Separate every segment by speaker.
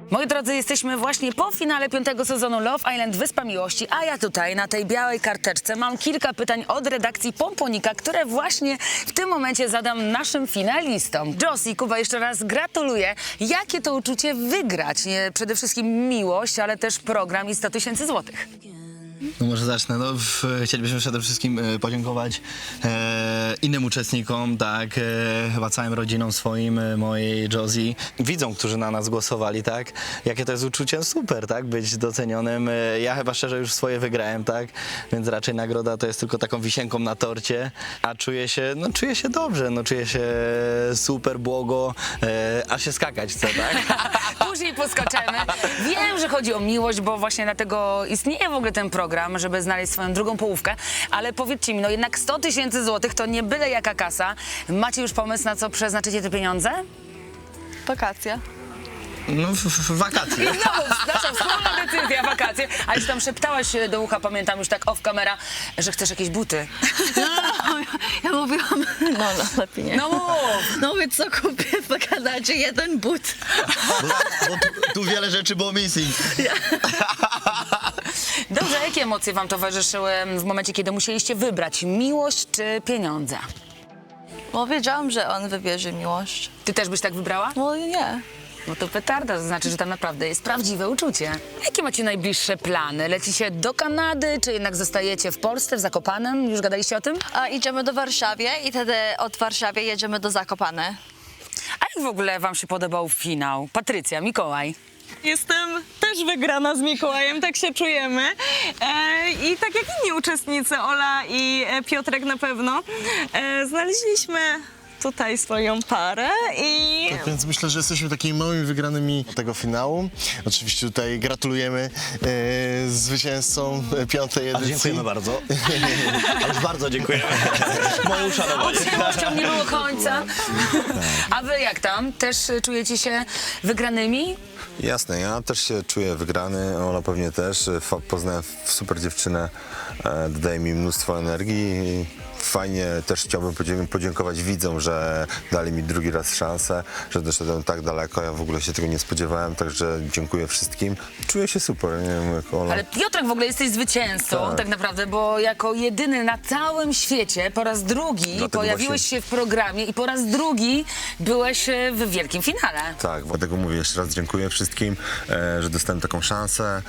Speaker 1: Moi drodzy, jesteśmy właśnie po finale 5. sezonu Love Island Wyspa Miłości, a ja tutaj na tej białej karteczce mam kilka pytań od redakcji Pomponika, które właśnie w tym momencie zadam naszym finalistom. Josie, Kuba, jeszcze raz gratuluję. Jakie to uczucie wygrać? Nie przede wszystkim miłość, ale też program i 100 000 złotych.
Speaker 2: No może zacznę. No, chcielibyśmy przede wszystkim podziękować innym uczestnikom, tak, chyba całym rodzinom swoim, mojej Josie, widzom, którzy na nas głosowali, tak, jakie to jest uczucie, super, tak, być docenionym. Ja chyba szczerze już swoje wygrałem, tak, więc raczej nagroda to jest tylko taką wisienką na torcie, a czuję się dobrze, no czuję się super, błogo, aż się skakać chce, tak.
Speaker 1: Później poskaczemy. Wiem, że chodzi o miłość, bo właśnie dlatego istnieje w ogóle ten program, żeby znaleźć swoją drugą połówkę, ale powiedzcie mi, no jednak 100 000 złotych to nie byle jaka kasa. Macie już pomysł, na co przeznaczycie te pieniądze?
Speaker 3: Wakacja.
Speaker 2: No, wakacje.
Speaker 1: I znowu nasza wspólna decyzja, wakacje. Ale czy tam szeptałaś do ucha, pamiętam już tak off camera, że chcesz jakieś buty.
Speaker 3: Ja mówiłam, no lepiej nie.
Speaker 1: No mów!
Speaker 3: No mówię, co kupię w Kanadzie? Jeden but.
Speaker 2: Bo tu wiele rzeczy było missing.
Speaker 1: Dobrze, jakie emocje wam towarzyszyły w momencie, kiedy musieliście wybrać miłość czy pieniądze?
Speaker 3: Bo wiedziałam, że on wybierze miłość.
Speaker 1: Ty też byś tak wybrała?
Speaker 3: No nie.
Speaker 1: No to petarda, to znaczy, że tam naprawdę jest prawdziwe uczucie. Jakie macie najbliższe plany? Lecicie do Kanady, czy jednak zostajecie w Polsce, w Zakopanem? Już gadaliście o tym?
Speaker 3: A idziemy do Warszawy i wtedy od Warszawy jedziemy do Zakopane.
Speaker 1: A jak w ogóle wam się podobał finał? Patrycja, Mikołaj.
Speaker 4: Jestem też wygrana z Mikołajem, tak się czujemy. I tak jak inni uczestnicy, Ola i Piotrek na pewno, znaleźliśmy tutaj swoją parę i
Speaker 5: Więc myślę, że jesteśmy takimi małymi wygranymi tego finału. Oczywiście tutaj gratulujemy zwycięzcom 5. edycji.
Speaker 2: Dziękujemy bardzo. Ale bardzo dziękujemy. Moje uszanowanie.
Speaker 1: Z miłością nie było końca. A wy jak tam? Też czujecie się wygranymi?
Speaker 6: Jasne, ja też się czuję wygrany, Ola pewnie też. Poznałem super dziewczynę, dodaje mi mnóstwo energii i fajnie też chciałbym podziękować widzom, że dali mi drugi raz szansę, że doszedłem tak daleko, ja w ogóle się tego nie spodziewałem, także dziękuję wszystkim. Czuję się super, nie wiem jak Ola.
Speaker 1: Ale Piotrek w ogóle jesteś zwycięzcą tak naprawdę, bo jako jedyny na całym świecie po raz drugi
Speaker 6: Dlatego
Speaker 1: pojawiłeś
Speaker 6: właśnie-
Speaker 1: się w programie i po raz drugi byłeś w wielkim finale.
Speaker 6: Tak, dlatego mówię jeszcze raz dziękuję wszystkim, że dostałem taką szansę.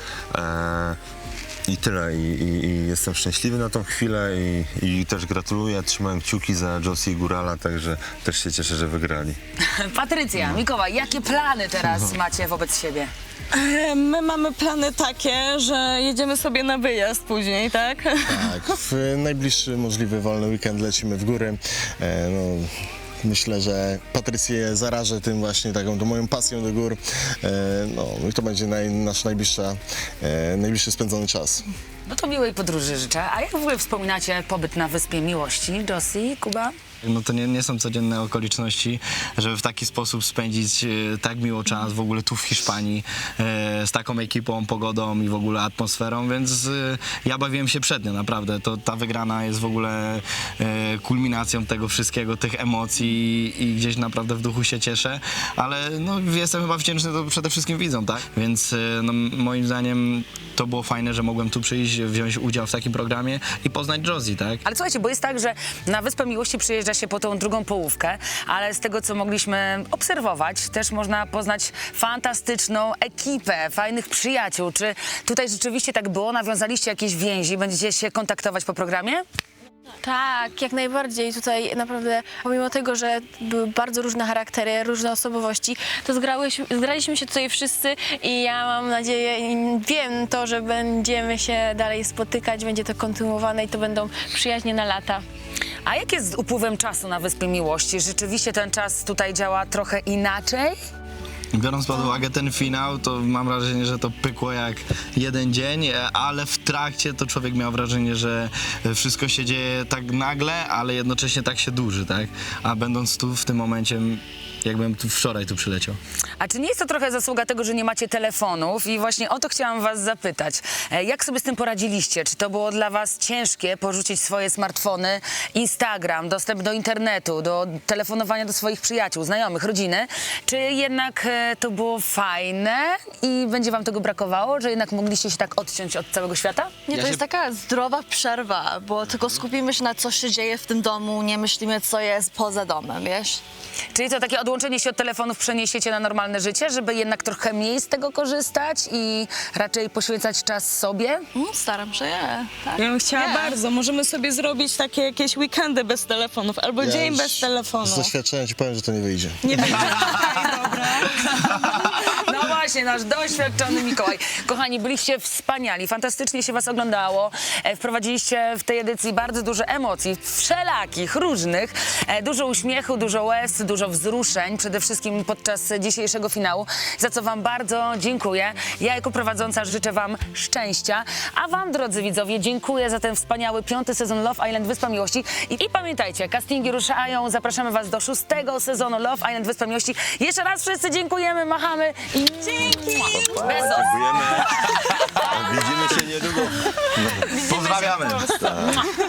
Speaker 6: I tyle. I jestem szczęśliwy na tą chwilę i też gratuluję. Trzymałem kciuki za Josie i Górala, także też się cieszę, że wygrali.
Speaker 1: Patrycja, Mikołaj, jakie plany teraz macie wobec siebie?
Speaker 4: my mamy plany takie, że jedziemy sobie na wyjazd później, tak?
Speaker 5: Tak, w najbliższy możliwy wolny weekend lecimy w góry. No, myślę, że Patrycję zarażę tym właśnie taką tą moją pasją do gór. No i to będzie nasz najbliższy spędzony czas.
Speaker 1: No to miłej podróży życzę. A jak w ogóle wspominacie pobyt na Wyspie Miłości? Josie, Kuba?
Speaker 2: No to nie są codzienne okoliczności, żeby w taki sposób spędzić tak miło czas w ogóle tu w Hiszpanii z taką ekipą, pogodą i w ogóle atmosferą, więc ja bawiłem się przednio, naprawdę. To ta wygrana jest w ogóle kulminacją tego wszystkiego, tych emocji i gdzieś naprawdę w duchu się cieszę, ale no, jestem chyba wdzięczny to przede wszystkim widzom, tak? Więc no, moim zdaniem to było fajne, że mogłem tu przyjść, wziąć udział w takim programie i poznać Josie, tak?
Speaker 1: Ale słuchajcie, bo jest tak, że na Wyspę Miłości przyjeżdża się po tą drugą połówkę, ale z tego, co mogliśmy obserwować, też można poznać fantastyczną ekipę, fajnych przyjaciół. Czy tutaj rzeczywiście tak było? Nawiązaliście jakieś więzi? Będziecie się kontaktować po programie?
Speaker 7: Tak, jak najbardziej. Tutaj naprawdę, pomimo tego, że były bardzo różne charaktery, różne osobowości, to zgraliśmy się tutaj wszyscy i ja mam nadzieję i wiem to, że będziemy się dalej spotykać, będzie to kontynuowane i to będą przyjaźnie na lata.
Speaker 1: A jak jest z upływem czasu na Wyspie Miłości? Rzeczywiście ten czas tutaj działa trochę inaczej?
Speaker 2: Biorąc pod uwagę ten finał, to mam wrażenie, że to pykło jak jeden dzień, ale w trakcie to człowiek miał wrażenie, że wszystko się dzieje tak nagle, ale jednocześnie tak się dłuży, tak? A będąc tu w tym momencie jakbym wczoraj tu przyleciał.
Speaker 1: A czy nie jest to trochę zasługa tego, że nie macie telefonów? I właśnie o to chciałam was zapytać. Jak sobie z tym poradziliście? Czy to było dla was ciężkie porzucić swoje smartfony, Instagram, dostęp do internetu, do telefonowania do swoich przyjaciół, znajomych, rodziny? Czy jednak to było fajne i będzie wam tego brakowało, że jednak mogliście się tak odciąć od całego świata?
Speaker 3: Nie,
Speaker 2: Ja
Speaker 3: to
Speaker 2: się-
Speaker 3: jest taka zdrowa przerwa, bo tylko skupimy się na co się dzieje w tym domu, nie myślimy, co jest poza domem, wiesz?
Speaker 1: Czyli to takie odłączenie się od telefonów przeniesiecie na normalne życie, żeby jednak trochę mniej z tego korzystać i raczej poświęcać czas sobie?
Speaker 3: Staram się, tak.
Speaker 4: Ja bym chciała
Speaker 3: Nie.
Speaker 4: bardzo. Możemy sobie zrobić takie jakieś weekendy bez telefonów albo dzień
Speaker 5: już
Speaker 4: bez telefonu.
Speaker 5: Z doświadczenia ci powiem, że to nie wyjdzie.
Speaker 4: Nie będzie. Okej, dobra.
Speaker 1: No właśnie, nasz doświadczony Mikołaj. Kochani, byliście wspaniali, fantastycznie się was oglądało. Wprowadziliście w tej edycji bardzo dużo emocji, wszelakich, różnych. Dużo uśmiechu, dużo łez, dużo wzruszeń, przede wszystkim podczas dzisiejszego finału, za co wam bardzo dziękuję. Ja jako prowadząca życzę wam szczęścia, a wam, drodzy widzowie, dziękuję za ten wspaniały 5. sezon Love Island Wyspa Miłości. I pamiętajcie, castingi ruszają, zapraszamy was do 6. sezonu Love Island Wyspa Miłości. Jeszcze raz wszyscy dziękujemy, machamy i dzięki! Bezos!
Speaker 6: Dziękujemy. Widzimy się niedługo.
Speaker 2: Pozdrawiamy!